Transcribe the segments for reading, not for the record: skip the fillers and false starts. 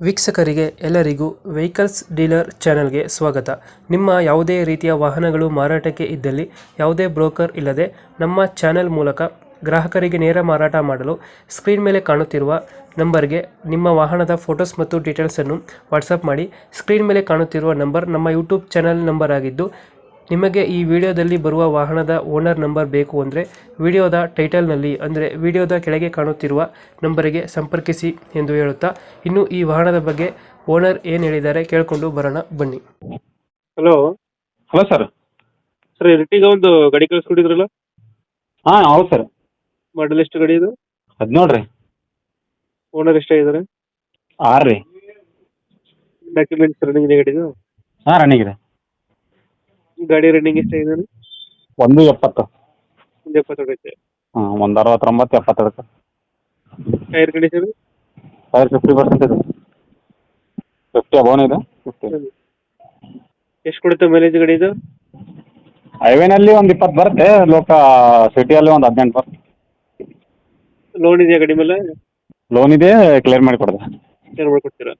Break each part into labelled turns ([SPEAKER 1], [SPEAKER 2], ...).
[SPEAKER 1] ವೀಕ್ಷಕರಿಗೆ ಎಲ್ಲರಿಗೂ vehicles dealer ಚಾನೆಲ್ಗೆ ಸ್ವಾಗತ. ನಿಮ್ಮ ಯಾವುದೇ ರೀತಿಯ ವಾಹನಗಳು ಮಾರಾಟಕ್ಕೆ ಇದ್ದಲ್ಲಿ ಯಾವುದೇ ಬ್ರೋಕರ್ ಇಲ್ಲದೆ ನಮ್ಮ ಚಾನೆಲ್ ಮೂಲಕ ಗ್ರಾಹಕರಿಗೆ ನೇರ ಮಾರಾಟ ಮಾಡಲು ಸ್ಕ್ರೀನ್ ಮೇಲೆ ಕಾಣುತ್ತಿರುವ ನಂಬರ್ಗೆ ನಿಮ್ಮ ವಾಹನದ ಫೋಟೋಸ್ ಮತ್ತು ಡೀಟೇಲ್ಸನ್ನು ವಾಟ್ಸಪ್ ಮಾಡಿ. ಸ್ಕ್ರೀನ್ ಮೇಲೆ ಕಾಣುತ್ತಿರುವ ನಂಬರ್ ನಮ್ಮ ಯೂಟ್ಯೂಬ್ ಚಾನೆಲ್ ನಂಬರ್ ಆಗಿದ್ದು, ನಿಮಗೆ ಈ ವಿಡಿಯೋದಲ್ಲಿ ಬರುವ ವಾಹನದ ಓನರ್ ನಂಬರ್ ಬೇಕು ಅಂದರೆ ವಿಡಿಯೋದ ಟೈಟಲ್ನಲ್ಲಿ ಅಂದರೆ ವಿಡಿಯೋದ ಕೆಳಗೆ ಕಾಣುತ್ತಿರುವ ನಂಬರಿಗೆ ಸಂಪರ್ಕಿಸಿ ಎಂದು ಹೇಳುತ್ತಾ, ಇನ್ನು ಈ ವಾಹನದ ಬಗ್ಗೆ ಓನರ್ ಏನು ಹೇಳಿದ್ದಾರೆ ಕೇಳಿಕೊಂಡು ಬರೋಣ ಬನ್ನಿ. Hello
[SPEAKER 2] hello sir.
[SPEAKER 1] Sir, Ertiga ಒಂದು ಗಾಡಿ ಕಳಿಸ್ಕೊಟ್ಟಿದ್ರಲ್ಲ,
[SPEAKER 2] ಹಾಂ ಹೌದು ಸರ್.
[SPEAKER 1] ಮಾಡಲ್ ಎಷ್ಟು ಗಾಡಿ ಇದು?
[SPEAKER 2] 17 ರೀ.
[SPEAKER 1] ಓನರ್ ಎಷ್ಟಾಗಿದ್ದಾರೆ?
[SPEAKER 2] 6 ರೀ.
[SPEAKER 1] ಡಾಕ್ಯುಮೆಂಟ್ಸ್ ರನ್ನಿಂಗ್ ಇದೆ ಗಾಡಿದು?
[SPEAKER 2] ಹಾಂ ರನ್ನಿಂಗ್ ಇದೆ.
[SPEAKER 1] ಗಾಡಿ ರನ್ನಿಂಗ್ ಎಷ್ಟಾಗಿದೆ?
[SPEAKER 2] 170.
[SPEAKER 1] 70 ಹೊಡೈತೆ.
[SPEAKER 2] ಹಾಂ 169 70.
[SPEAKER 1] Tyre condition?
[SPEAKER 2] ಟೈರ್ 50% ಇದೆ. 50 ಅಬೋನ್ ಇದೆ. 50
[SPEAKER 1] ಎಷ್ಟು ಕೊಡುತ್ತೆ ಮೈಲೇಜ್ ಗಾಡಿ ಇದು?
[SPEAKER 2] ಹೈವೇನಲ್ಲಿ ಒಂದು 20 ಬರುತ್ತೆ, ಸಿಟಿಯಲ್ಲಿ ಒಂದು 18 ಬರುತ್ತೆ.
[SPEAKER 1] ಲೋನ್ ಇದೆಯಾ ಗಾಡಿ ಮೇಲೆ?
[SPEAKER 2] ಲೋನ್ ಇದೆ, ಕ್ಲಿಯರ್ ಮಾಡಿ ಕೊಡೋದು.
[SPEAKER 1] ಏನು ಮಾಡ್ಕೊಡ್ತೀರಾ?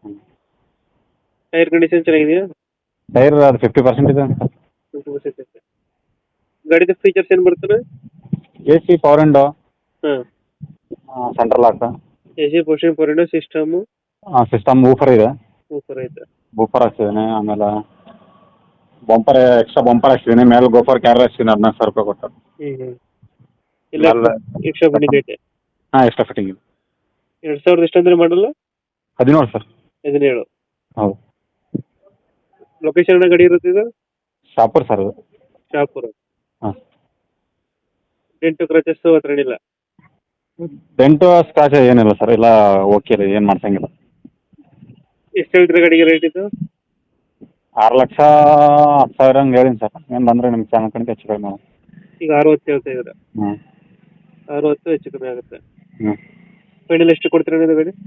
[SPEAKER 1] ಟೈರ್ ಕಂಡೀಷನ್ ಚೆನ್ನಾಗಿದೆಯಾ?
[SPEAKER 2] ಟೈರ್ ಅದು 50% ಇದೆ.
[SPEAKER 1] ಗಾಡಿದ ಫೀಚರ್ಸ್ ಏನು ಬರ್ತದೆ?
[SPEAKER 2] AC, ಪವರ್ ವಿಂಡೋ,
[SPEAKER 1] ಹಾಂ,
[SPEAKER 2] central lock,
[SPEAKER 1] AC, portion, power system,
[SPEAKER 2] system woofer ಇದೆ.
[SPEAKER 1] ಸೂಪರ್ ಐತೆ.
[SPEAKER 2] ಬೂಫರ್ ಹಾಕ್ಸಿದ್ದೀನಿ. ಆಮೇಲೆ ಎಕ್ಸ್ಟ್ರಾ ಬಂಪರ್ ಹಾಕ್ಸಿದ್ದೀನಿ. ಮೇಲೆ ಗೋಫರ್ ಕ್ಯಾರ್ ಹಾಕ್ಸಿದ್ದೀನಿ. 14,000 ರೂಪಾಯಿ ಕೊಟ್ಟು.
[SPEAKER 1] ಇಲ್ಲ ಎಕ್ಸ್ಟ್ರಾ ಬಂದಿದೆ ಐತೆ.
[SPEAKER 2] ಹಾಂ ಎಕ್ಸ್ಟ್ರಾ ಫಿಟ್ಟಿಂಗ್ ಇದೆ.
[SPEAKER 1] 2000 ಎಷ್ಟು ಅಂದ್ರೆ ಮಾಡಲ್ಲ?
[SPEAKER 2] 17 ಸರ್.
[SPEAKER 1] 17.
[SPEAKER 2] ಹೌದು.
[SPEAKER 1] ಲೊಕೇಶನ್ ಗಾಡಿ ಇರುತ್ತೆ ಇದು?
[SPEAKER 2] ಶಾಪುರ್ ಸರ್ ಅದು.
[SPEAKER 1] ಶಾಪುರ.
[SPEAKER 2] ಹಾಂ.
[SPEAKER 1] ಡೆಂಟು ಕ್ರಚಸ್ಸು ಹತ್ರ ಏನಿಲ್ಲ?
[SPEAKER 2] ಡೆಂಟು ಸ್ಕ್ರಾಚ್ ಏನಿಲ್ಲ ಸರ್, ಎಲ್ಲ ಓಕೆ ಇದೆ, ಏನು ಮಾಡ್ಸಂಗಿಲ್ಲ.
[SPEAKER 1] ಎಷ್ಟು ಹೇಳ್ತೀರಾ ಗಾಡಿಗೆ ರೇಟ್ ಇದು?
[SPEAKER 2] 6,10,000 ಹಂಗೆ ಹೇಳಿನಿ ಸರ್. ಏನು ಬಂದರೆ ನಿಮ್ಮ ಚಾನಲ್ ಕಡೆಗೆ ಹೆಚ್ಚು ಕಡಿಮೆ ಮಾಡೋಣ.
[SPEAKER 1] ಈಗ 60 ಹೇಳ್ತಾ ಇದ್ದೀರಾ?
[SPEAKER 2] ಹ್ಞೂ
[SPEAKER 1] 60 ಹೆಚ್ಚು ಕಮ್ಮಿ ಆಗುತ್ತೆ.
[SPEAKER 2] ಹ್ಞೂ.
[SPEAKER 1] ಫೈನಲ್ ಎಷ್ಟು ಕೊಡ್ತೀರಾ ಇದು ಗಾಡಿ?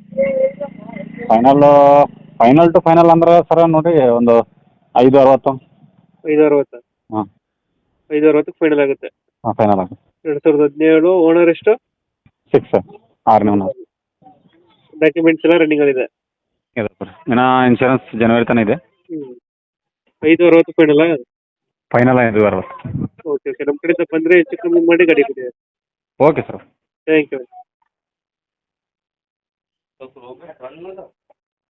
[SPEAKER 2] ಫೈನಲ್ ಟು ಫೈನಲ್ ಅಂದ್ರೆ ಸರ್ ನೋಡಿ ಒಂದು 5,60.
[SPEAKER 1] 560?
[SPEAKER 2] ಹಾಂ
[SPEAKER 1] 560 ಫೈನಲ್ ಆಗುತ್ತೆ.
[SPEAKER 2] ಹಾಂ ಫೈನಲ್ ಆಗುತ್ತೆ.
[SPEAKER 1] 2017. ಓನರ್ ಎಷ್ಟು?
[SPEAKER 2] 6 ಸರ್. 6ನೇ ಓನರ್.
[SPEAKER 1] ಡಾಕ್ಯುಮೆಂಟ್ಸ್ ಎಲ್ಲ ರನ್ನಿಂಗ್ ಇದೆ?
[SPEAKER 2] ಇದೆ ಸರ್. ಇನ್ನು ಇನ್ಶೂರೆನ್ಸ್ ಜನವರಿ ತನಕ ಇದೆ.
[SPEAKER 1] 560 ಫೈನಲ್?
[SPEAKER 2] ಫೈನಲ್ 5,60.
[SPEAKER 1] ಓಕೆ ಓಕೆ, ನಮ್ಮ ಕಡೆಯಿಂದ ಬಂದರೆ ಹೆಚ್ಚು ಕಮ್ಮಿ ಮಾಡಿ ಗಾಡಿ ಕೊಡಿ.
[SPEAKER 2] Okay sir.
[SPEAKER 1] Thank you.